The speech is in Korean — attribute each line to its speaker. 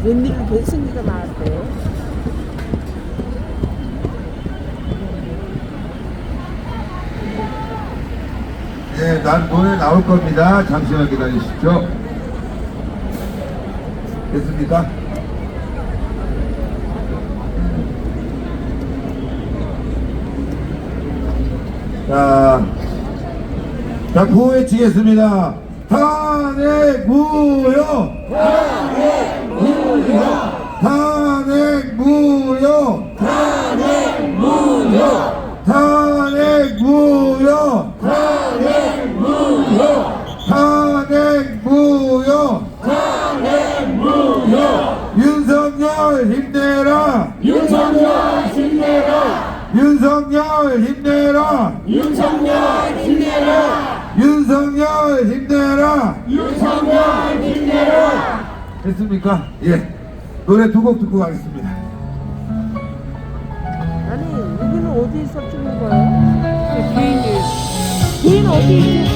Speaker 1: 웬일로 배승기가 나왔대.
Speaker 2: 네, 난 노래 나올 겁니다. 잠시만 기다리십시오. 됐습니까? 자, 구호에 치겠습니다. 탄핵 무효! 탄핵 무효! 탄핵 무효! 탄핵 무효! 탄핵 무효! 탄핵 무효! 탄핵 무효! 탄핵 무효! 윤석열 힘내라!
Speaker 3: 윤석열 힘내라!
Speaker 2: 윤석열 힘내라!
Speaker 3: 윤석열 힘내라!
Speaker 2: 윤석열 힘내라!
Speaker 3: 윤석열 힘내라!
Speaker 2: 됐습니까? 예. 노래 두 곡 듣고 가겠습니다.
Speaker 1: 아니, 여기는 어디서 찍는 거예요? 개인이. 개인 어디 있지?